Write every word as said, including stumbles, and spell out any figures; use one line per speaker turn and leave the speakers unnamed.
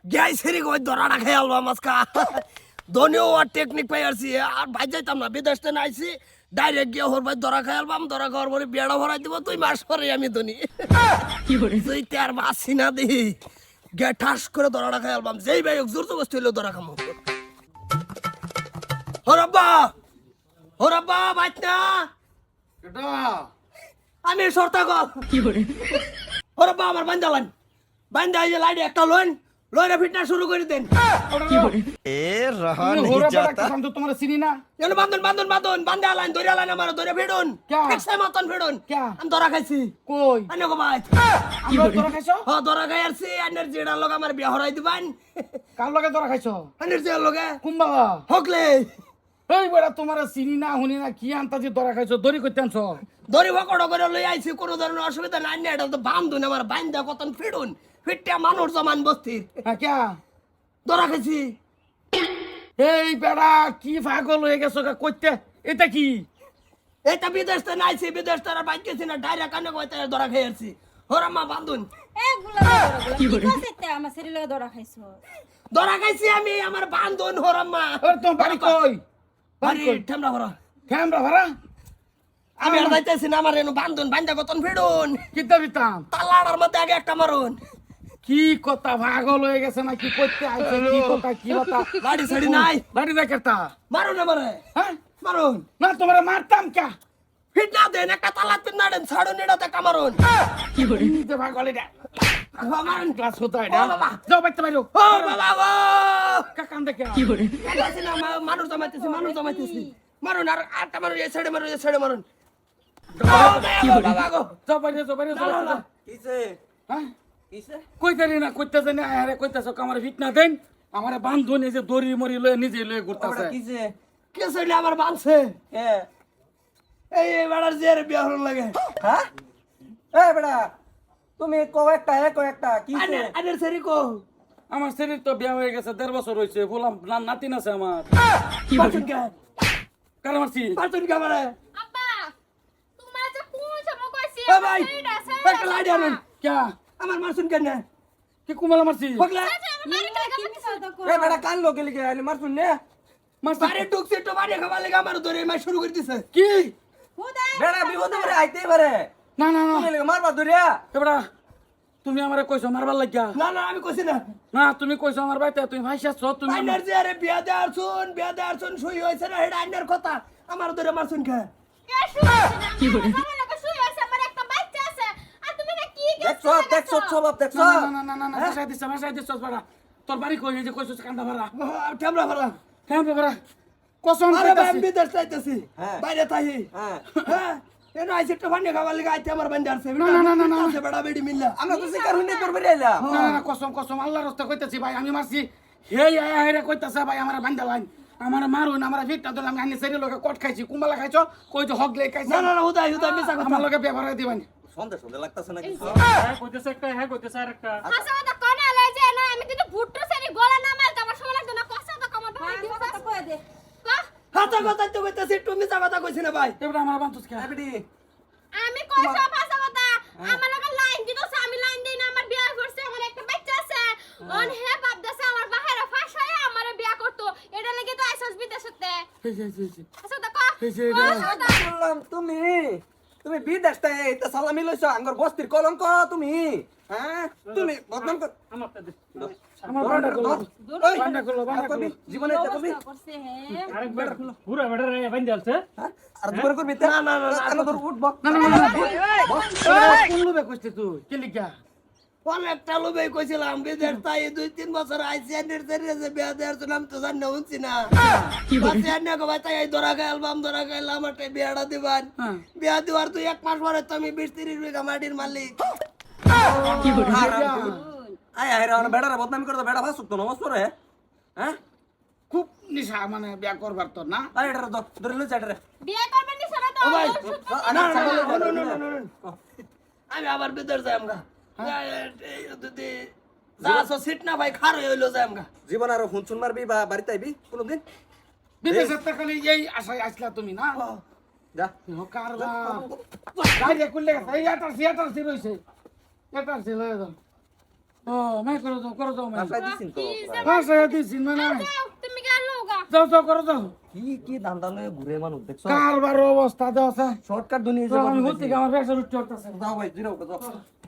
গ্যাই সেরি কই দরাটা খেয়ে আলবাম আজকা ধনীয় আর টেকনিক পাই আসছি আর ভাই যাইতাম না বিদেশ থেকে আইছি ডাইরেক্ট গিয়ে ওর ভাই দরা খাই আলবাম দরা খাওয়ার পরে বিয়াটা ভরাই দিব তুই মাস পরে আমি ধনী তুই তার বাসি না দিই গে ঠাস করে দরাটা খাই আলবাম যেই ভাই জোর জবস্তি হইলো দরা খামো হরাব্বা হরাব্বা বাইত না
কেটা
আমি সরতা গো
কি করে
হরাব্বা আমার বান্দা লাইন বান্দা এই যে লাইন একটা লোন লোনে ফিটনেস শুরু করে দেন
কি করে
ए रहा
তুমি
नहीं
হোরা বেটা
जाता
কাম তো তোমার চিনি না
যেন বান্ধন বান্ধন বান্ধন বান্ধে আলাইন ধরে আলাইন আমার ধরে ফিডুন
ক্যা?
একসাই মতন ফিডুন
ক্যা?
আমি ধরা খাইছি
কই
আনে গো ভাই
আমরা তোরা খাইছো
হ ধরা খাই আসছি আনের জিড়ার লগে আমার বিয়া হরাই দিবান
কার লগে তোরা খাইছো
আনের জিড়ার লগে
কুম্বালা
হকলে
এই বেটা তোমার চিনি না হুনি না কি আনতাজি তোরা খাইছো দড়ি কইতে আনছো
ধরি ভকড় করে লই আইছি কোনো ধরনের অসুবিধা নাই না এটা তো বান্ধুন আমার বান্ধা কতন ফিডুন ফিটটা মানুষ জমান বস্তির
হ্যাঁ ক্যা
ধরা খাইছি
এই বেটা কি পাগল হয়ে গেছো গা কইতে এটা কি
এইটা বিদেশ থেকে নাইছি বিদেশ থেকে বাইক গেছি না ডাইরেক্ট কানে কইতে ধরা খাই আসছি হরাম্মা বান্ধুন
কি করে?
আমার শরীরে ধরা খাইছো
ধরা খাইছি আমি আমার বান্ধুন হরাম্মা
ওর তোমার বাড়ি কই বাড়ি
বাড়ি
কই
ঠামরা ভরা
ক্যামেরা ভাড়া
আমি আর যাইতেছি না আমার এনু বান্ধুন বান্ধা কতন ফিডুন
কিতা দিতাম
তালাড়ার মধ্যে আগে একটা মারুন
কি কথা পাগল হয়ে গেছে না কি করতে আইছে কি কথা কি কথা
লাড়ি সাড়ি নাই
লাড়ি দেখাতা
মারুন আমারে
হ্যাঁ
মারুন
না তোমার মারতাম কে
ফিট না দেন একটা তালাত পিন না দেন ছাড়ুন এটাতে কামারুন
কি করে
নিতে পাগল এটা
মারুন
ক্লাস হতো
ও
এটা
বাবা।
যাও বাইতে বাইরো
ও বাবা গো
কাকান দেখে
কি করে
কাছে না মা- মানুষ জমাইতেছি মানুষ জমাইতেছি মারুন আর আটটা মারুন এই সাইডে মারুন এই সাইডে মারুন ও বাবা গো
যাও বাইরে যাও বাইরে যাও
না, না।
किसे
হ্যাঁ
किसे
কইতে রে না কইতে জানি আরে কইতাছ আমার ফিট না দেন আমার বান্ধু নিজে দড়ি মরি লয়ে নিজে লয়ে ঘুরতাছে
किसे
কে সাইডে আমার বানছে
ए
এই বেড়ার জের বিয়া হল লাগে
হ্যাঁ এ বেটা তুমি কো একটা এ কো একটা কিসে
আনের আনের সেরি কো
আমার শরীর তো বিয়া হয়ে গেছে দেড় বছর হয়েছে বললাম না- নাতিন আছে আমার
কি করে
পারতুন কে
কার মারছি
পারতুন কে আমারে
আব্বা তোমার যে কোন সময় কইছি
ও ভাই একটা লাইট আনুন
ক্যা
আমার মারছুন কেন
কি কুমালা মারছি
পগলা
এ বেটা কান লোকে লিখে আইলি মার শুন নে
মারছি
বাড়ি ঢুকছে তো বাড়ি খাবার লেগে আমার ধরে মার শুরু করে দিছে
কি
বেটা বিপদে পড়ে আইতেই পারে
না না না
তুমি লিখে মারবা দরিয়া
এবড়া তুমি আমারে কইছো মারবার লাগিয়া
না না আমি কইছি না
না তুমি কইছো আমার বাইতে তুমি ভাইসাছ তুমি
আইনার যে আরে বিয়া দেয়ার শুন বিয়া দেয়ার শুন শুই হইছে না হেডা আইনার কথা আমার ধরে মারছুন কে
কি করে
আমার একটা বাচ্চা আছে আর তুমি না কি
দেখছো দেখছো সব দেখছো
না না না না না ভাষায় দিছ ভাষায় দিছ বড়া তোর বাড়ি কই এই যে কইছো কান্দা ভরা
ক্যামেরা ভরা
হ্যাঁ বাবা কসম
আরে ভাই
কইতাছি
আমি বিদেশ যাইতেছি
হ্যাঁ।
বাইরে থাকি
হ্যাঁ
হ্যাঁ এনো আইছে একটু পানি খাবার লেগে আইতে আমার বান্দার সে
না, না, না, না, না।
বেড়া বেড়ি মিললা
আমরা তো শিকার হইনি তোর বেরিয়ে আইলা
না না না কসম কসম আল্লাহর রাস্তা কইতাছি ভাই আমি মারছি হে আয়া হেরে কইতাছে ভাই আমার বান্দা লাইন আমার মারুন আমার ভিটটা দিলাম আমি আনি সেরি লগে কট খাইছি কুম্বালা খাইছো কই তো হগলে খাইছি
না না না হুদাই হুদাই মিছা কথা
আমার লগে ব্যবহার দিবানি
সন্দেহ সন্দেহ লাগতাছে না কিছু
হ্যাঁ কইতেছে একটা হ্যাঁ কইতেছে আরেকটা
হাসা কথা কোনা লই যে না আমি কিন্তু ভুট্টো সেরি গলা না মারতে আমার সময় লাগতো না কষ্ট তো কমার ভাই দিও কথা কই দে
হাতা কথা তো কইতাছি একটু মিছা কথা কইছি না ভাই
এবারে আমার বান্ধুস কে
এবিডি
আমি কইছো ভাষা কথা আমার লগে লাইন দিতেছ আমি লাইন দেই না আমার বিয়া করছে আমার একটা বাচ্চা আছে অন হে বাপ দাসে আমার বাহিরে ফাঁসায় আমার বিয়া করতো এটা লাগি তো আইসস বিদেশতে
এই যে এই যে
হাসা কথা
এই যে এটা
বললাম তুমি তুমি বিদেশ থেকে এটা সালামি লইছো আঙ্গর বস্তির কলঙ্ক তুমি হ্যাঁ তুমি বদনাম কর
আমারটা দে আমার বান্ডা করলো
ওই,
বান্ডা করলো বান্ডা
আর কবি
করলো
জীবনে এটা কবি
করছে হে
আরেকবার পুরা বেড়া রে বান্ডা আছে
হ্যাঁ? আর দুবার করবি না না না না ধর উঠব
না না না কোন লোবে কইছিস তুই কি লিখা
অনেকটা লোভে কইছিলাম বিদেশ তাই দুই তিন বছর আইসি আনের সেরিয়ে যে বিয়া দেয়ার শুন আমি তো জানি না শুনছি না
কি করে
বাসে আনে গো ভাই তাই এই ধরা খাই অ্যালবাম ধরা খাইলাম একটা বিয়াটা দিবান
হ্যাঁ
বিয়া দেওয়ার তুই এক মাস পরে তো আমি বিশ তিরিশ বিঘা মাটির মালিক
কি করে
আয় আয় রে বেড়ারে বদনামি করে তো বেড়া ভাসুক তো নমস্কার রে হ্যাঁ
খুব নিশা মানে বিয়া করবার তো না
আরে এটা ধর ধরে লই চাইটা রে
বিয়া করবেন নি সারা
ও ভাই
তো
না না না, না, না, না, না, না। আমি আবার বিদেশ যাই আমগা যদি যা আছো সিট না ভাই খার হইলো যাই আমগা
জীবন আর হুনচুন মারবি বা বাড়িতে আইবি কোনদিন
বিদেশের থেকে খালি এই আশায় আসলা তুমি না
যা
কারবার গাড়ি কুললে গেছে এই এটার সি এটার সি রইছে এটার সি লয়ে যাও ও মাই করো যাও করো যাও মাই
বাসায় দিছেন তো
কি যে
বাসায় দিছি মানে
যাও, তুমি গেল গা
যাও যাও করো যাও
কি কি ধান্দা লয়ে ঘুরে মানুষ দেখছো
কারবার অবস্থা দেওয়া
শর্টকাট দুনিয়া
আমি হতে আমার ব্যবসা উঠতে হতেছে
যাও ভাই জিরো যাও